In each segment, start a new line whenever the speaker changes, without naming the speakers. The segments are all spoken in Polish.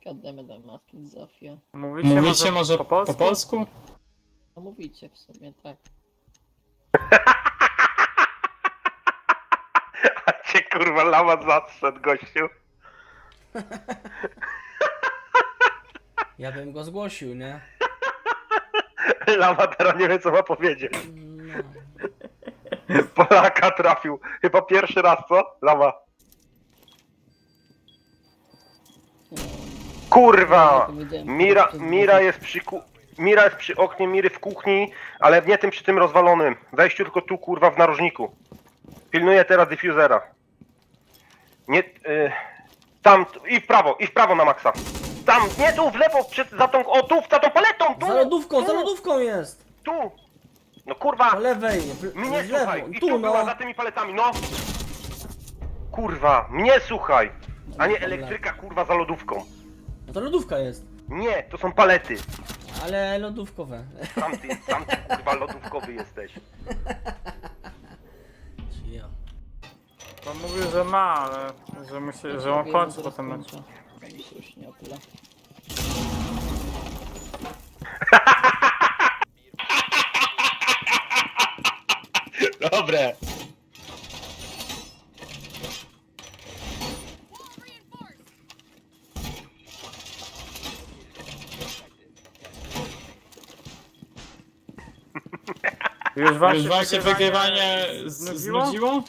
Goddammit, masking Zofia.
Mówicie może po polsku?
No mówicie w sumie, tak.
A cię kurwa lama zastrzedł, gościu.
Ja bym go zgłosił, nie?
Lama teraz nie wie co ma powiedzieć.
No.
Polaka trafił. Chyba pierwszy raz, co? Lama. Kurwa! Mira jest przy oknie Miry w kuchni, ale nie tym przy tym rozwalonym. Wejściu tylko tu kurwa w narożniku. Pilnuję teraz diffusera. Nie... tam i w prawo na maksa. Tam, nie tu, w lewo, za tą, o tu, za tą paletą, tu!
Za lodówką jest!
Tu! No kurwa!
Po lewej,
Mnie
w lewo,
słuchaj! I
tu
tu była
no!
za tymi paletami, no! Kurwa, mnie słuchaj! A nie elektryka kurwa za lodówką.
No to lodówka jest.
Nie, to są palety.
Ale lodówkowe.
Sam ty kurwa lodówkowy jesteś.
Ja.
To mówił, że ma, ale że on kończy potem mecz.
Mi się już nie opla.
Dobre.
Już wam się wygrywanie znudziło?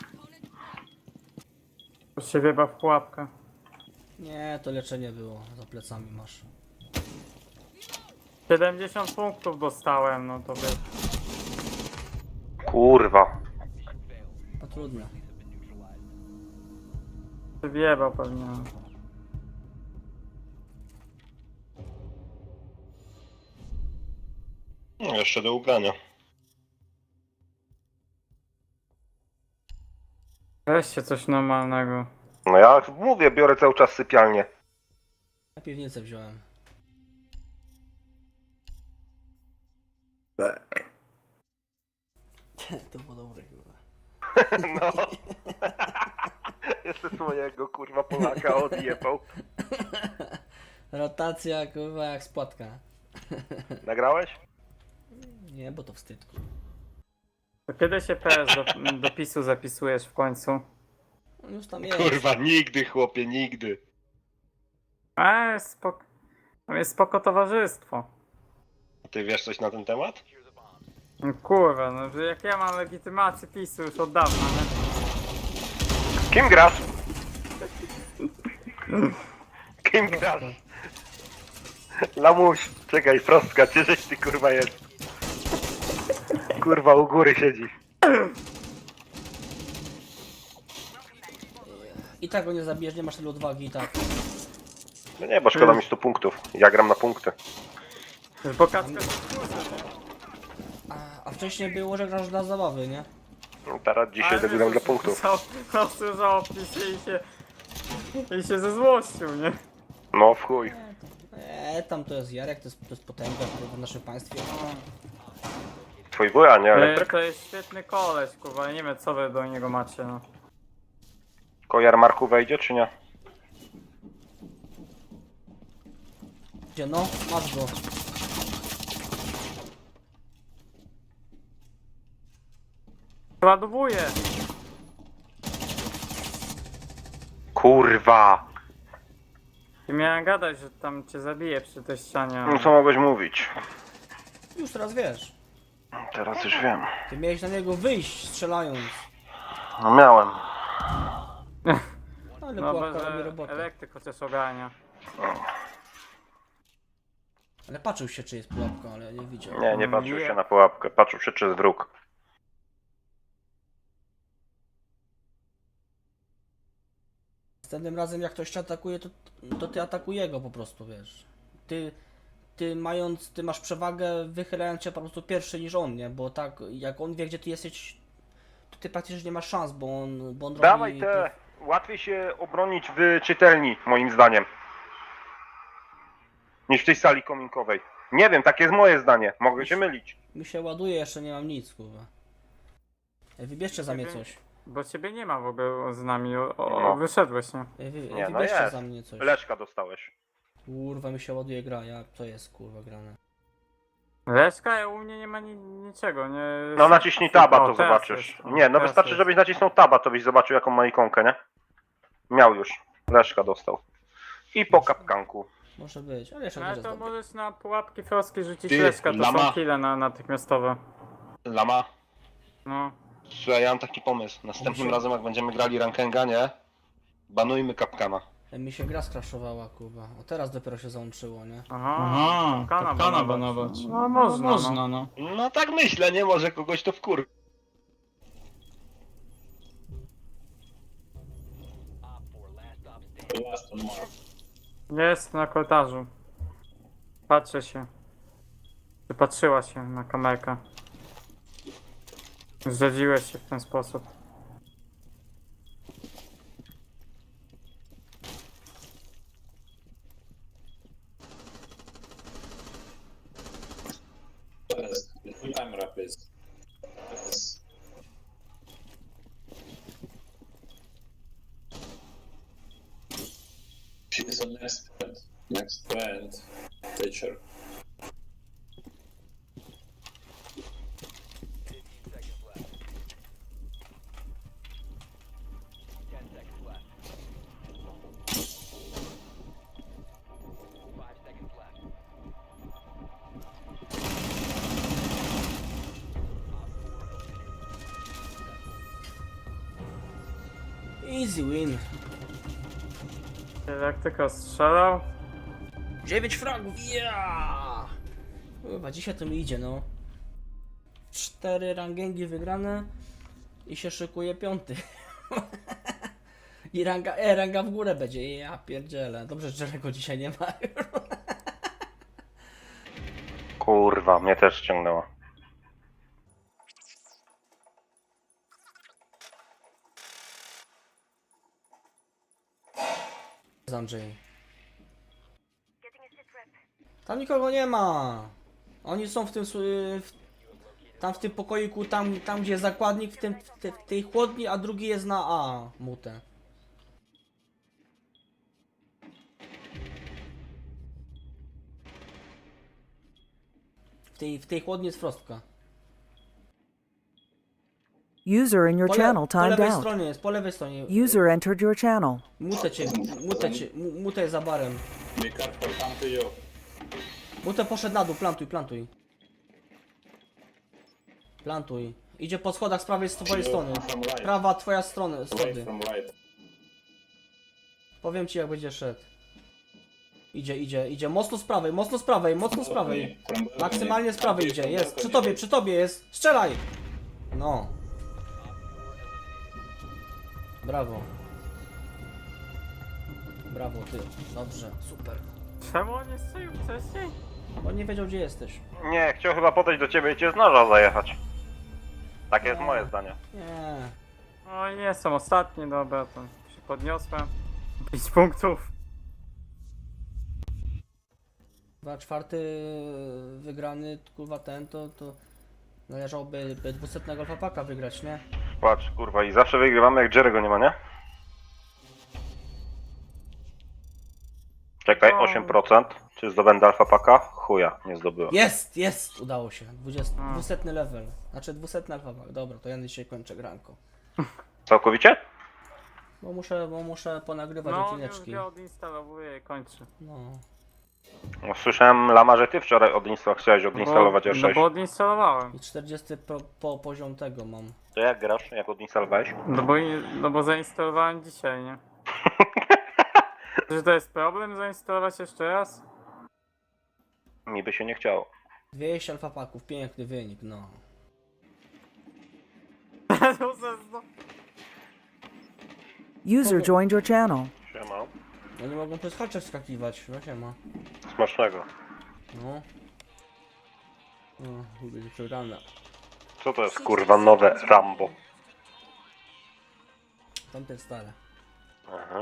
To się wieba w pułapkę.
Nie, to leczenie było. Za plecami masz.
70 punktów dostałem, no to wiesz.
Kurwa.
No trudno.
Się wiebał pewnie.
No jeszcze do ugrania.
Weźcie coś normalnego.
No ja mówię, biorę cały czas sypialnię.
Ja piwnicę wziąłem. To było dobre chyba.
No. Jeszcze swojego kurwa Polaka odjebał.
Rotacja kurwa jak spłatka.
Nagrałeś?
Nie, bo to wstyd kurwa.
To kiedy się PS do PiSu zapisujesz w końcu?
On już tam jest.
Kurwa, nigdy chłopie, nigdy.
Tam jest spoko towarzystwo.
Ty wiesz coś na ten temat?
No kurwa, no że jak ja mam legitymację PiSu już od dawna, nie?
Kim grasz? Kim grasz? Lamuś, czekaj, prostka, gdzieś ty kurwa jest? Kurwa, u góry siedzi.
I tak go nie zabijesz, nie masz tyle odwagi i tak.
No nie, bo szkoda mi 100 punktów. Ja gram na punkty.
Bo kaczka
A wcześniej było, że grasz dla zabawy, nie?
No teraz dzisiaj zagram dla punktów.
Usłyszał PiSie i się ze złością, nie?
No w chuj.
Tam to jest Jarek, to jest potęga w naszym państwie.
Twój wuja, nie elektryk?
To jest świetny koleś, kurwa, ja nie wiem co wy do niego macie, no.
Kojar Marku wejdzie czy nie?
Gdzie no? Masz go.
Ładowuję!
Kurwa!
I miałem gadać, że tam cię zabiję przy tej ścianie.
No co mogłeś mówić?
Już teraz wiesz.
Teraz już wiem.
Ty miałeś na niego wyjść strzelając.
No miałem.
Ale
No
pułapka
bo
robi
że
robotę.
elektryk chociaż ogarnia.
Ale patrzył się czy jest pułapka, ale nie widział.
Nie, nie patrzył się na pułapkę. Patrzył się czy jest wróg.
Następnym razem jak ktoś cię atakuje, to ty atakuje go po prostu, wiesz. Ty masz przewagę wychylając się po prostu pierwszy niż on, nie? Bo tak, jak on wie gdzie ty jesteś, to ty praktycznie nie masz szans, bo on
Dawaj
robi...
te. Łatwiej się obronić w czytelni, moim zdaniem. Niż w tej sali kominkowej. Nie wiem, takie jest moje zdanie. Mogę się mylić.
Mi się ładuje, jeszcze nie mam nic, kurwa. Wybierzcie za mnie coś.
Bo ciebie nie ma w ogóle z nami,
No.
wyszedłeś, nie?
Nie, no
Wybierzcie
jest.
za mnie coś.
Leszka dostałeś.
Kurwa, mi się ładuje gra, to jest kurwa grane.
Leszka, u mnie nie ma niczego, nie...
No naciśnij taba, to
teraz
zobaczysz.
jest, o,
Nie, no
teraz
wystarczy,
jest.
żebyś nacisnął taba, to byś zobaczył jaką ma ikonkę, nie? Miał już. Leszka dostał. I po kapkanku.
Może być, ale jeszcze
No
nie
ale
jest
to
dobry.
możesz na pułapki froskie rzucić
Ty,
Leszka, to
lama.
są kile natychmiastowe.
Lama,
No.
słuchaj, ja mam taki pomysł. Następnym razem jak będziemy grali rankenga, nie? Banujmy kapkana.
Mi się gra skraszowała, kurwa. O, teraz dopiero się załączyło, nie?
Aha,
kapkana banować.
No można,
Można, no.
No tak myślę, nie? Może kogoś to wkur...
Jest na korytarzu. Patrzę się. Czy patrzyła się na kamerkę? Zdradziłeś się w ten sposób.
Time wrap is. She's a next friend, teacher.
Easy win.
Jak tylko strzelał.
9 fragów, yeah! Chyba dzisiaj to mi idzie, no. 4 rangengi wygrane i się szykuje 5. I ranga w górę będzie. Ja pierdzielę. Dobrze, że Jerego dzisiaj nie ma.
Kurwa, mnie też ściągnęło.
Andrzej. Tam nikogo nie ma. Oni są w tym tam w tym pokoiku, tam gdzie jest zakładnik, w tej chłodni, a drugi jest na A, mute. W tej chłodni jest frostka.
User in your channel
Po
timed
lewej
out.
stronie jest, po lewej stronie.
User entered your channel.
Mute jest za barem.
Be careful, come to you.
Mute poszedł na dół, plantuj. Plantuj. Idzie po schodach z prawej twojej strony.
From right.
Prawa twoja strona,
Right
schody.
from right.
Powiem ci jak będzie szedł. Idzie. Mocno z prawej. Maksymalnie z prawej idzie. Jest. Przy tobie jest. Strzelaj! No. Brawo. Brawo ty. Dobrze. Super.
Czemu on nie strzelił wcześniej?
On nie wiedział gdzie jesteś.
Nie, chciał chyba podejść do ciebie i cię z noża zajechać. Takie jest moje zdanie.
Nie.
No i jestem ostatni, dobra, to się podniosłem. 5 punktów.
2/4 wygrany, kurwa to należałoby 200 alfapaka wygrać, nie?
Patrz, kurwa, i zawsze wygrywamy jak Jerego nie ma, nie? Czekaj, 8%. Czy zdobędę alfa paka? Chuja, nie zdobyłem.
Jest! Udało się. 200 level. Znaczy 200 alfapak. Dobra, to ja dzisiaj kończę granko.
Całkowicie?
Bo muszę ponagrywać
No, już
odcineczki.
go odinstalowuję i kończę.
No.
No, słyszałem, Lama, że ty wczoraj chciałeś odinstalować
No
R6.
bo odinstalowałem.
I 40 poziom tego mam.
To jak grasz? Jak odinstalowałeś?
No bo zainstalowałem dzisiaj, nie? Czy to jest problem zainstalować jeszcze raz?
Mi by się nie chciało.
200 alfapaków, piękny wynik, no.
User joined your channel.
Siema.
Oni mogą przez hacze wskakiwać, no się ma.
Smacznego.
No. No, będzie przegrana.
Co to jest, kurwa, nowe Rambo?
Tamte stare.
Aha.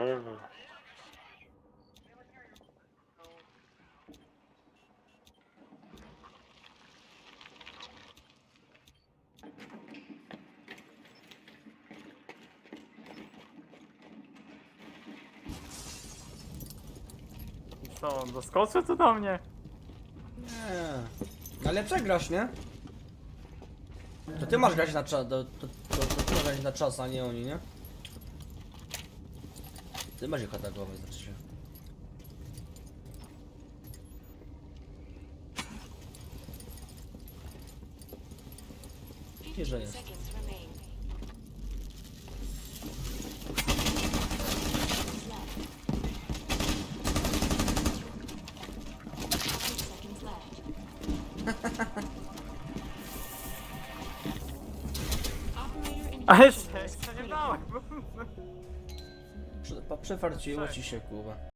Co, doskoczy tu do mnie?
Nie. Ale przegrasz, nie? To ty masz grać na czas, to ty masz grać na czas, a nie oni, nie? Ty masz ich atakować, znaczy się. Że jest.
A jeszcze nie dałem.
Przefarciło ci się, kurwa.